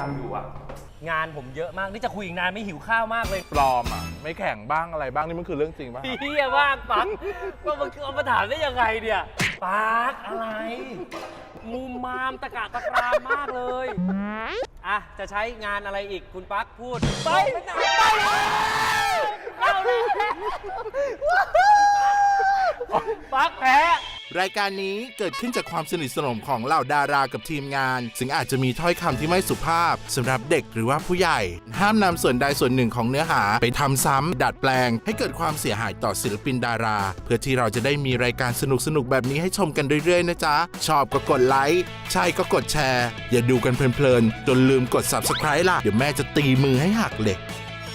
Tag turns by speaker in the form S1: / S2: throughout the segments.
S1: ากอยู่อะงานผมเยอะมากนี่จะคุยอีกนานไม่หิวข้าวมากเลย
S2: ปลอมอ่ะไม่แข่งบ้างอะไรบ้างนี่มันคือเรื่องจริงป่ะ
S1: เฮียบ้างปักว่ามันเอามาถามได้ยังไงเนี่ยปักอะไรมุมมามตะกะตะกรามมากเลยอ่ะจะใช้งานอะไรอีกคุณปักพูดไปเอาเลยปักแพ้
S3: รายการนี้เกิดขึ้นจากความสนิทสนมของเหล่าดารากับทีมงานซึ่งอาจจะมีถ้อยคำที่ไม่สุภาพสำหรับเด็กหรือว่าผู้ใหญ่ห้ามนำส่วนใดส่วนหนึ่งของเนื้อหาไปทำซ้ำดัดแปลงให้เกิดความเสียหายต่อศิลปินดาราเพื่อที่เราจะได้มีรายการสนุกๆแบบนี้ให้ชมกันเรื่อยๆนะจ๊ะชอบก็กดไลค์ใช่ก็กดแชร์อย่าดูกันเพลินๆจนลืมกด Subscribe ล่ะเดี๋ยวแม่จะตีมือให้หักเลย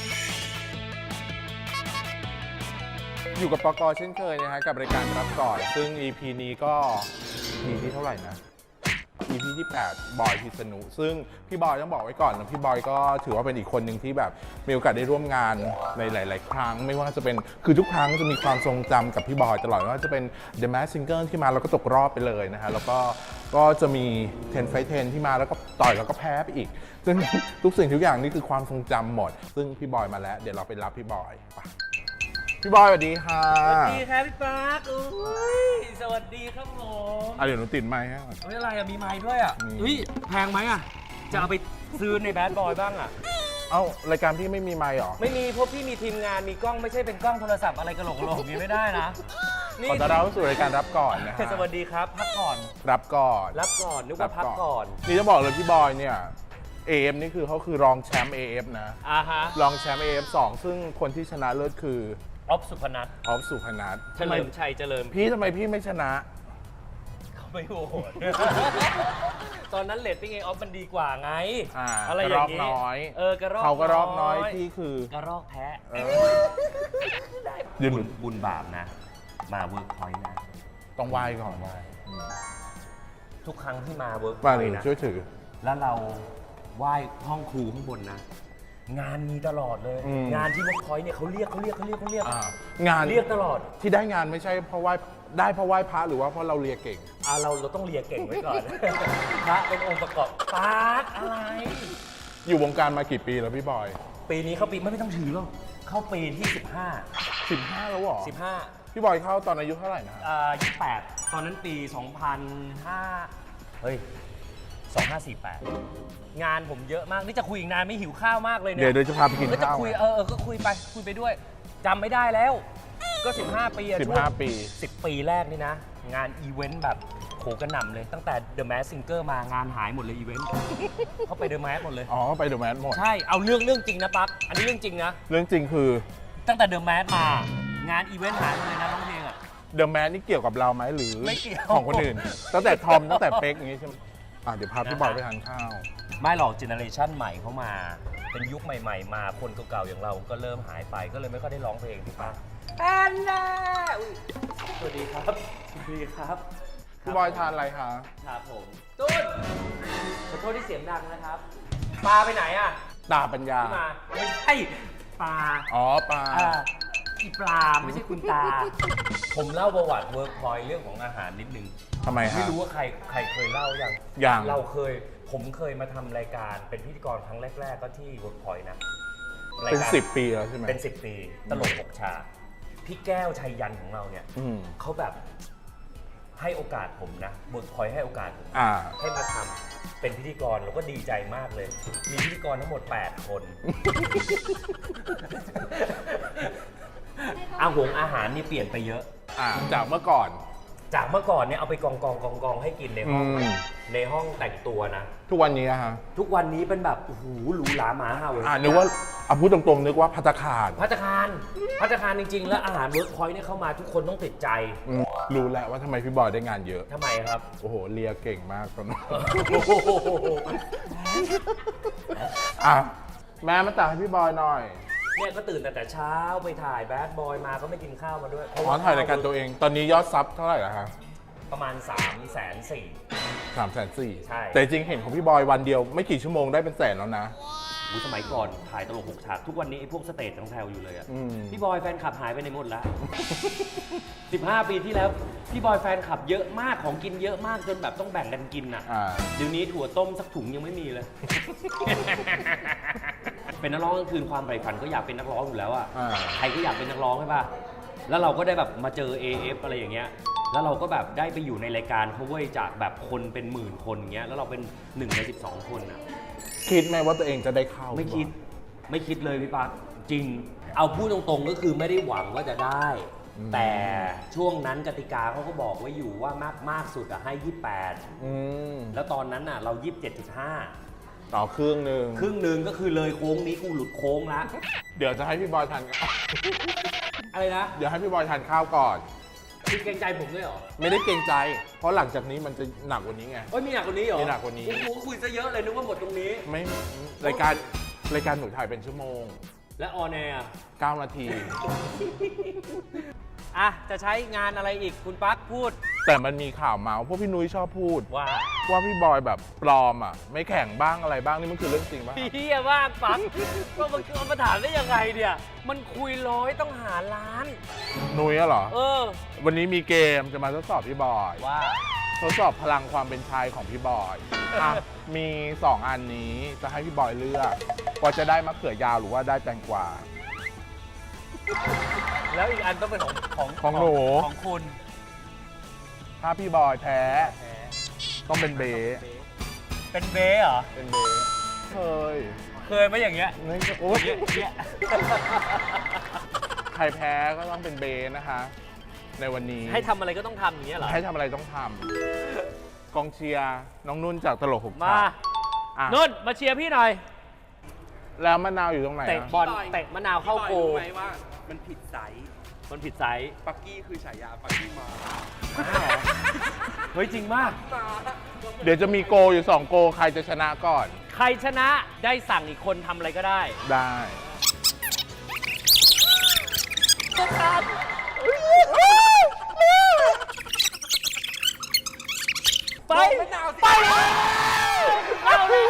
S2: อยู่กับปกเช่นเคยนะฮะกับรายการรับก่อนซึ่ง EP นี้ก็ EP ที่เท่าไหร่นะ EP ที่ 8 บอยพิษณุซึ่งพี่บอยต้องบอกไว้ก่อนนะพี่บอยก็ถือว่าเป็นอีกคนหนึ่งที่แบบมีโอกาสได้ร่วมงานในหลาย ๆ ครั้งไม่ว่าจะเป็นคือทุกครั้งจะมีความทรงจำกับพี่บอยตลอดไม่ว่าจะเป็น The Masked Singer ที่มาแล้วก็ตกรอบไปเลยนะฮะแล้วก็จะมี10 Fight 10ที่มาแล้วก็ต่อยแล้วก็แพ้ไปอีกซึ่งทุกสิ่งทุกอย่างนี่คือความทรงจำหมดซึ่งพี่บอยมาแล้วเดี๋ยวเราไปรับพี่บอยไปพี่บอยสวัสดีค่ะ
S1: สวัสดีครับพี่ปาร์คสวัสดีครับผม
S2: เดี๋ยวหนูติดไมค์ให้ก่อน
S1: อะไรอะมีไมค์ด้วยอะแพงไหมอะจะเอาไปซื้อในแบดบอยบ้างอะ
S2: รายการพี่ไม่มีไมค์หรอ
S1: ไม่มีเพราะพี่มีทีมงานมีกล้องไม่ใช่เป็นกล้องโทรศัพท์อะไรกระโหลกนี้ไม่ได้นะ
S2: ขอต้อนรับสู่รายการรับก่อนนะ
S1: สวัสดีครับพักก่อน
S2: รับก่อน
S1: นึกว่าพักก่อน
S2: นี่จะบอกเลยพี่บอยเนี่ย AF นี่คือเขาคือรองแชมป์ AF นะรองแชมป์ AF 2ซึ่งคนที่ชนะเลิศคือ
S1: ออฟสุพนัทเฉลิมชัยเจริญ
S2: พี่ทำไมพี่ไม่ชนะ
S1: เขาไม่โหดตอนนั้นเรตติ้งออฟมันดีกว่าไง
S2: อะไรอย่างนี้น้อยเขาก็รอบน้อยพี่คือก
S1: ระรอกแพ้บุญบาปนะมาเวิร์กพอยต์นะ
S2: ต้องไหว้ก่อน
S1: ทุกครั้งที่มาเวิร์กพ
S2: อยต์นะช่วยถือ
S1: แล้วเราไหว้ห้องครูข้างบนนะงานมีตลอดเลยงานที่เวิร์กพอยต์เนี่ยเขาเรียก
S2: งาน
S1: เรียกตลอด
S2: ที่ได้งานไม่ใช่เพราะไหว้ได้เพราะไหว้พระหรือว่าเพราะเราเรียกเก่ง
S1: เราต้องเรียกเก่งไว้ก่อนพระเป็นองค์ประกอบปาร์คอะไร
S2: อยู่วงการมากี่ปีแล้วพี่บอย
S1: ปีนี้เข้าปีไม่ต้องถือหรอกเข้าปีที่
S2: 15แล้วหรอ
S1: 15
S2: พี่บอยเข้าตอนอายุเท่าไหร่นะ
S1: 28ตอนนั้นปี2005เฮ้ย2548งานผมเยอะมากนี่จะคุยอีกนานไม่หิวข้าวมากเลยเนี่ย
S2: เดี๋ยวจะพาไปกินข้าว
S1: ก็คุยก็คุยไปด้วยจำไม่ได้แล้วก็15 ปี
S2: 15 ปี
S1: 10 ปีแรกนี่นะงานอีเวนต์แบบโหกระหน่ำเลยตั้งแต่ The Masked Singer มางานหายหมดเลยอีเวนต์เขาไป The Masked หมดเลย
S2: ไป The Masked หมด
S1: ใช่เอาเรื่องจริงนะปั๊กอันนี้เรื่องจริงนะ
S2: เรื่องจริงคือ
S1: ตั้งแต่ The Masked มางานอีเวนต์หายหมดเลยนะร้องเพลงอะ
S2: The Masked นี่เกี่ยวกับเราไหมหรือ
S1: ไม่เกี่ยว
S2: ของคนอื่นตั้งแต่ทอมตั้งแต่เป๊กอย่างงี้ใช่ไหมเดี๋ยวพาพี่บอยไปทานข้าว
S1: ไม่หรอกเจเนอเรชันใหม่เข้ามาเป็นยุคใหม่ๆมาคนเก่าๆอย่างเราก็เริ่มหายไปก็เลยไม่ค่อยได้ร้องเพลงถูกปะแอนนาสวัสดีครับ
S2: พี่บอยทานอะไรคะ
S1: ครับผมตุ้นขอโทษที่เสียงดังนะครับปลาไปไหนอะ
S2: ตาปัญญา
S1: ไม่ใช่ปลา
S2: ปลา
S1: อีปลาไม่ใช่คุณตาผมเล่าประวัติเวิร์กพอยต์เรื่องของอาหารนิดนึง
S2: ทำไมฮะ
S1: ไม่รู้ว่าใครเคยเล่า
S2: อย่าง
S1: ผมเคยมาทำรายการเป็นพิธีกรครั้งแรกๆก็ที่เวิร์กพอยต์นะ
S2: เป็น10 ปีแล้วใช่ไหม
S1: เป็น10 ปีตลก6 ฉากพี่แก้วชัยยันของเราเนี่ยเขาแบบให้โอกาสผมนะเวิร์กพอยต์ให้โอกาสผมให้มาทำเป็นพิธีกรเราก็ดีใจมากเลยมีพิธีกรทั้งหมด8 คนอาหารนี่เปลี่ยนไปเยอะ
S2: จากเมื่อก่อน
S1: เนี่ยเอาไปกองให้กินในห้องแต่งตัวนะ
S2: ทุกวันนี้ฮะ
S1: ทุกวันนี้เป็นแบบโอ้โหหรูหราหมาเห่า
S2: นึกว่าพูดตรงๆนึกว่าภัตตาคาร
S1: จริงๆแล้วอาหารเวิร์กพอยต์เนี่ยเข้ามาทุกคนต้องติดใจ
S2: รู้แล้วว่าทำไมพี่บอยได้งานเยอะ
S1: ทำไมครับ
S2: โอ้โหเลียเก่งมากตอนนั้นแม่มาตักให้พี่บอยหน่อย
S1: เนี่ยก็ตื่นแต่เช้าไปถ่ายแบดบอยมาก็ไม่กินข้าวมาด้วย
S2: ถ่ายรายการตัวเองตอนนี้ยอดซับเท่าไหร่แล้วครับ
S1: ประมาณ340,000
S2: 340,000
S1: ใช่
S2: แต่จริงเห็นของพี่บอยวันเดียวไม่กี่ชั่วโมงได้เป็นแสนแล้วนะ
S1: สมัยก่อนถ่ายตลก6 ฉากทุกวันนี้ไอ้พวกสเตจทั้งแถวอยู่เลยอะพี่บอยแฟนคลับหายไปในหมดแล้ว 15 ปีที่แล้วพี่บอยแฟนคลับเยอะมากของกินเยอะมากจนแบบต้องแบ่งกันกินอ่ะเดี๋ยวนี้ถั่วต้มสักถุงยังไม่มีเลย เป็นนักร้องกลางคืนความใฝ่ฝันก็อยากเป็นนักร้องอยู่แล้วอ่ะใครก็อยากเป็นนักร้องใช่ป่ะแล้วเราก็ได้แบบมาเจอ AF อะไรอย่างเงี้ยแล้วเราก็แบบได้ไปอยู่ในรายการเขาเว้ยจากแบบคนเป็นหมื่นคนอย่างเงี้ยแล้วเราเป็น1 ใน 12 คนอ่ะ
S2: คิดไหมว่าตัวเองจะได้เข้า
S1: ไม่คิดเลยพี่ปั๊กจริงเอาพูดตรงๆก็คือไม่ได้หวังว่าจะได้ แต่ช่วงนั้นกติกาเขาก็บอกไว้อยู่ว่ามากสุดอะให้ 28แล้วตอนนั้นน่ะเรา 27.5
S2: ต่อครึ่งหนึ่ง
S1: ก็คือเลยโค้งนี้กูหลุดโค้งละ
S2: เดี๋ยวจะให้พี่บอยทาน
S1: อะไรนะ
S2: เดี๋ยวให้พี่บอยทานข้าวก่อน
S1: คุณเกรงใจผมด้วยเหรอ
S2: ไม่ได้เกรงใจ เพราะหลังจากนี้มันจะหนักกว่านี้ไง
S1: เอ้ยมีหนักกว่านี้เหรอ
S2: มีหนักกว่านี้
S1: กูคุยซะเยอะเลยนึกว่าหมดตรงนี้
S2: ไม่รายการหนูถ่ายเป็นชั่วโมง
S1: และออนแอร์
S2: 9 นาที
S1: อ่ะจะใช้งานอะไรอีกคุณปั๊กพูด
S2: แต่มันมีข่าวเมาส์พวกพี่นุ้ยชอบพูด
S1: ว่า
S2: พี่บอยแบบปลอมอ่ะ ไม่แข่งบ้างอะไรบ้างนี่มันคือเรื่องจริงป่ะ
S1: เฮียมากปั๊กก็มันเอามาถามได้ยังไงเนี่ยมันคุยร้อยต้องหาล้าน
S2: นุ้ยอะเหรอ
S1: วัน
S2: นี้มีเกมจะมาทดสอบพี่บอย
S1: ว่า
S2: ทดสอบพลังความเป็นชายของพี่บอยอ่ะมี 2 อันนี้จะให้พี่บอยเลือกว่าจะได้มะเขือยาวหรือว่าได้แตงกวา
S1: แล้วอีกอันต้องเป็นของ
S2: หนู
S1: ของคุณ
S2: ถ้าพี่บอยแพ้ต้องเป็นเบส
S1: เป็นเบ้เหรอ
S2: เป็นเบสเคย
S1: ไหมอย่างเงี้ย
S2: นี่โอ๊ย
S1: เงี้ย
S2: ใครแพ้ก็ต้องเป็นเบสนะคะ ในวันนี้
S1: ให้ทำอะไรก็ต้องทำอย่างเงี้ยเหรอ
S2: ให้ทำอะไรต้องทำกองเชียร์น้องนุ่นจากตลกหก
S1: มา
S2: ฉากอ่ะ
S1: นุ่นมาเชียร์พี่หน่อย
S2: แล้วมะนาวอยู่ตรงไหน
S1: เตะ
S2: อะ
S1: บอลเตะมะนาวเข้าโก
S4: รู้ไหมว่ามันผิดไซส์
S1: มันผิดไซส์
S4: ปักกี้คือฉายาปักกี้มา
S1: เฮ้ยจริงมาก
S2: เดี๋ยวจะมีโกอยู่ 2 โกใครจะชนะก่อน
S1: ใครชนะได้สั่งอีกคนทำอะไรก็ได้
S2: ได้
S1: ไปไปเอาเลย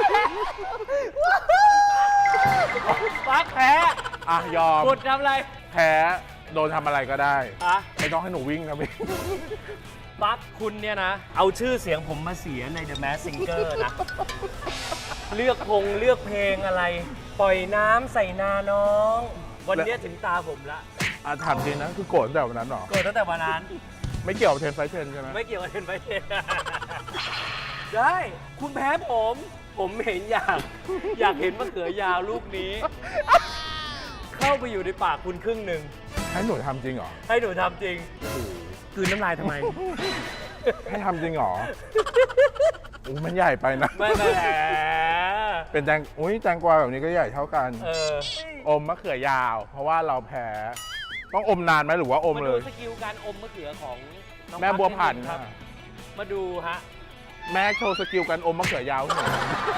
S1: ปักแพ้
S2: อ่ะ ยอม
S1: กดทำอะไร
S2: แพ้โดนทำอะไรก็ได้
S1: อะ
S2: ไม่ต้องให้หนูวิ่งนะพี่
S1: ปักคุณเนี่ยนะ เอาชื่อเสียงผมมาเสียใน The Masked Singer นะ เลือกเพลงอะไร ปล่อยน้ำใส่นาน้อง วันนี้ถึงตาผมละ
S2: อ่ะถามจริงนะคือโกรธตั้งแต่วันนั้นเหรอ
S1: เกิดตั้งแต่วันนั้น
S2: ไม่เกี่ยวกับเทนไฟเทนใช่ไหม
S1: ไม่เกี่ยวกับเทนไฟเทน ได้ คุณแพ้ผม ผมเห็นอยากเห็นมะเขือยาวลูกนี้ เข้าไปอยู่ในปากคุณครึ่งหนึ่ง
S2: ให้หนูทำจริงเหรอ
S1: ให้หนูทำจริงกลืนน้ำลายทำไม
S2: ให้ทำจริงเหรออุ๊ยมันใหญ่ไปนะ
S1: ไม่แหม
S2: เป็นแตงอุ้ยแตงกวาแบบนี้ก็ใหญ่เท่ากัน
S1: อ
S2: อมมะเขือยาว เพราะว่าเราแพ้ต้องอมนานไหมหรือว่าอม
S1: มา
S2: เล
S1: ดู
S2: ย
S1: สกิลการอมมะเขือของน้อง
S2: แม่บัวผัน
S1: ครับ มาดูฮะ
S2: แม่โชว์สกิลการอมมะเขือยาวให้หน่อย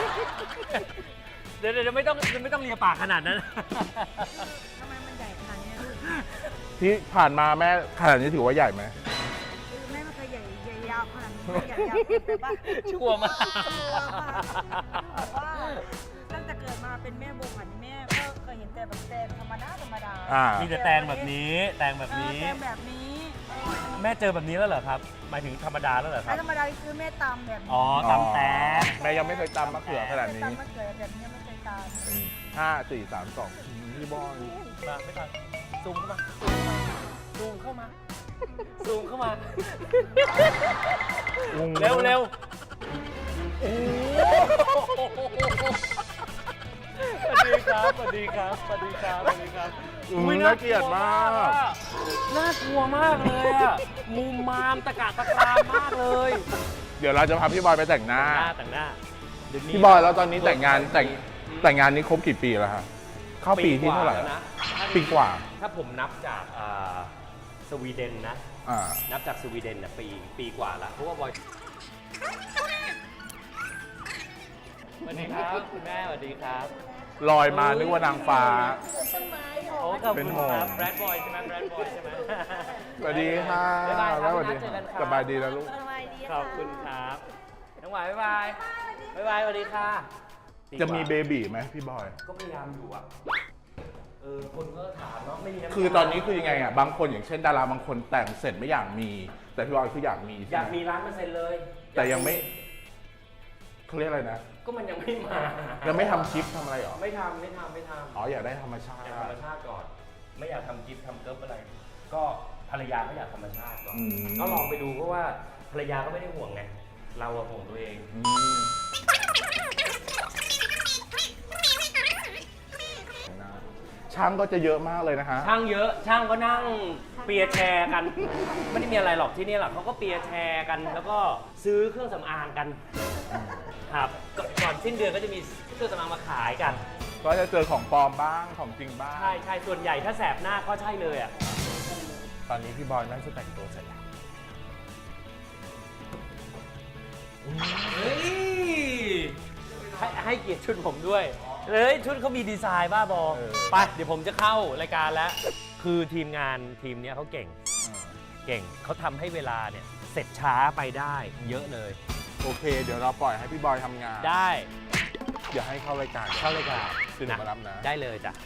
S1: เดี๋ยวไม่ต้องเลียปากขนาดนั้น
S5: ทำไมมันใหญ่ขนาดนี้ลูก
S2: ที่ผ่านมาแม่ขนาดนี้ถือว่าใหญ่ไหม
S5: คือแม่ไม่เคยใหญ่ยาวขนาดนี้ใหญ่ยาวเกินไปป่ะ
S1: ชั่วมาก
S5: ตัวค่ะบอกว่าตั้งแต่เกิดมาเป็นแม่บัวผันแม่ก็เคยเห็นแต่แบบแตงธรรมดา
S1: มีแต่แตงแบบนี้ แตงแบบนี้
S5: แตงแบบนี้
S1: แม่เจอแบบนี้แล้วเหรอครับ หมายถึงธรรมดาแล้วเหรอค
S5: แล้
S1: รั
S5: ว
S1: บ
S5: ธรรมดาคือแม่ตำแบบนี้
S1: อ๋อตำแตง
S2: แม่ยังไม่เคยตำมะเขือขนาดนี้
S5: ตำมะเขือแบบนี้ไม่เคยตำ
S2: 5 4 3 2พี่บอย
S1: มาไม่ทันซูมเข้ามา ซูมเข้ามา ซูมเข้ามา เร็วเร็วโอ้สวัสดีครับ สวัสดีครับ สวัสดีครับ สวัสดีครับ
S2: น่าเกลียดมาก
S1: น่ากลัวมากเลยอะมุมมามตะกะตะกรามมากเลย
S2: เดี๋ยวเราจะพาพี่บอยไปแต่งหน้า
S1: แต่งหน้าเดี๋ยวนี้
S2: พี่บอยแล้วตอนนี้แต่งงานนี้ครบกี่ปีแล้วครับเข้าปีที่เท่าไหร่
S1: แล้วนะ
S2: ปีกว่า
S1: ถ้าผมนับจากสวีเดนนะ นับจากสวีเดนนะปีกว่าแล้วเพราะว่าบอยสวัสดีครับคุณแม่สวัสดีครับ
S2: ลอยมานึกว่านางฟ้า
S1: โอ้ขอบ
S2: เป็น
S1: คุณ
S2: ห่วง
S1: ครับแบรดบอยใช่ไหมแบรดบอยใช่ไหม
S2: สวัสดีค่ะ
S1: บ๊ายบายครับ
S2: สวัสดี
S1: เจอกันครับ
S2: สบายดีแล้วลูก
S5: สบายดี
S1: ขอบคุณครับน้องหวายบ๊ายบายบ๊ายบายสวัสดีค่ะดีกว่า
S2: จะมีเบบีไหมพี่บอย
S1: ก็พยายามอยู่อ่ะคนก็ถามเนาะไม่มีำ
S2: คือตอนนี้คือยังไงอ่ะบางคนอย่างเช่นดาราบางคนแต่งเสร็จไม่อยากมี แต่พี่บอยคืออยากมี
S1: อ
S2: ใช่
S1: ยาก
S2: ไหม
S1: มี1,000,000%เลย
S2: แต่ยังไม่เขาเรียกอะไรนะ
S1: ก็มันยังไม่มา
S2: ยังไม่ทำคลิปทำอะไรหรอ
S1: ไม่ทำ
S2: อ๋ออยากได้ธรรมชาติ
S1: อยากธรรมชาติก่อน ไม่อยากทำกิฟต์ทำเกิร์ฟอะไร ก็ภรรยาก็อยากธรรมชาติก่อน ก็ลองไปดูเพราะว่าภรรยาก็ไม่ได้ห่วงไง เราอะห่วงตัวเอง
S2: ช่างก็จะเยอะมากเลยนะฮะ
S1: ช่างเยอะ ช่างก็นั่งเปียร์แชร์กัน ไม่ได้มีอะไรหรอกที่นี่หรอกเขาก็เปียร์แชร์กัน แล้วก็ซื้อเครื่องสำอางกัน ครับ ก่อนสิ้นเดือนก็จะมีเครื่องสำอางมาขายกัน
S2: ก็จะเจอของปลอมบ้างของจริงบ้าง
S1: ใช่ ส่วนใหญ่ถ้าแสบหน้าก็ใช่เลยอ่ะ
S2: ตอนนี้พี่บอยน่าจะแต่งตัวเสร็จแล้ว
S1: เฮ้ยให้เกียรติชุดผมด้วยเฮ้ยชุดเขามีดีไซน์บ้าบอ ไป เดี๋ยวผมจะเข้ารายการแล้ว คือทีมงานทีมเนี้ยเขาเก่งเขาทำให้เวลาเนี่ยเสร็จช้าไปได้เยอะเลย
S2: โอเค เดี๋ยวเราปล่อยให้พี่บอยทำงาน
S1: ได้
S2: อย่าให้เข้ารายการ
S1: เข้ารายการ
S2: คือหนูมารับนะ
S1: ได้เลยจ้ะ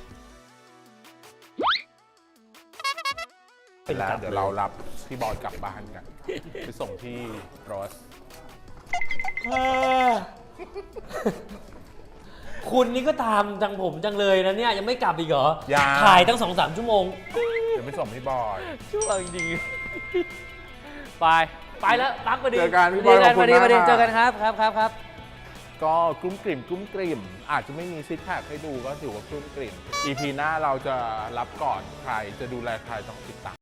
S2: แล้วเดี๋ยวเรารับพี่บอยกลับบ้านกัน ไปส่งที่โรส
S1: คุณนี่ก็ตามจังผมจังเลยนะเนี่ยยังไม่กลับอีกเหรอ
S2: ยัง
S1: ถ่ายตั้ง 2-3 ชั่วโมง
S2: เดี๋ยวไปส่งพี่บอย
S1: ชั่วจริงๆไปแล้วตั๊กพอดี
S2: เจอกันพี่บอยขอบคุณมาก
S1: พอดี
S2: ค่ะ
S1: เจอกันครับ
S2: ก็กลุ้มกลิ่มอาจจะไม่มีซิกแพคให้ดูก็ถือว่ากลุ้มกลิ่ม EP หน้าเราจะรับก่อนใครจะดูแลใครต้องติดตาม